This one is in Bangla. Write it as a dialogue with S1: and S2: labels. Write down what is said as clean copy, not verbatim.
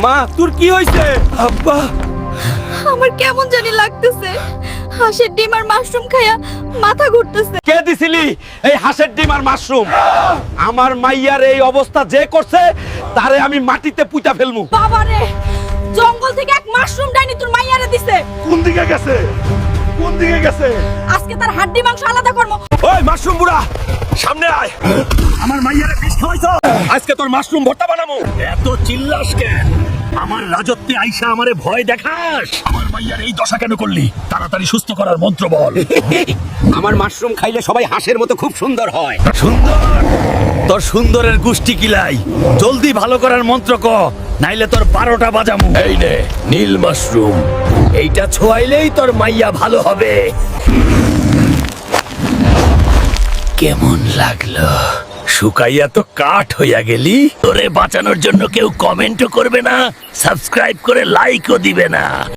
S1: মা তোর কি হইছে? আব্বা
S2: আমার কেমন জানি লাগতেছে, হাঁসের ডিম আর মাশরুম খাইয়া মাথা ঘুরতেছে।
S1: কে দিছিলি এই হাঁসের ডিম আর মাশরুম? আমার মাইয়ার এই অবস্থা যে করছে তারে আমি মাটিতে পুঁতা ফেলমু।
S2: বাবারে, জঙ্গল থেকে এক মাশরুম ডাইনি তোর মাইয়ারে দিছে।
S1: কোন দিকে গেছে? কোন দিকে গেছে?
S2: আজকে তার হাড্ডি মাংস আলাদা করবো।
S1: ওই মাশরুম বুড়া সামনে আয়। আমার মাইয়ারে বিষ খাওয়াইছ, আজকে তোর মাশরুম ভর্তা বানামু।
S3: এত চিল্লাস কেন? আমার রাজত্বে আইসা আমারে ভয় দেখাস? আমার মাইয়ার এই দশা কেন করলি? তাড়াতাড়ি সুস্থ করার মন্ত্র বল।
S1: আমার মাশরুম খাইলে সবাই হাঁসের মতো খুব সুন্দর হয়।
S3: সুন্দর? তোর সুন্দরের গুষ্টি কিলাই। জলদি ভালো করার মন্ত্র ক, নাইলে তোর 12টা বাজামু। এই নে নীল মাশরুম, এইটা ছোঁয়াইলেই তোর মাইয়া ভালো হবে। কেমন লাগলো? শুকাইয়া তো কাঠ হইয়া গেলি। তোরে বাঁচানোর জন্য কেউ কমেন্টও করবে না, সাবস্ক্রাইব করে লাইকও দিবে না।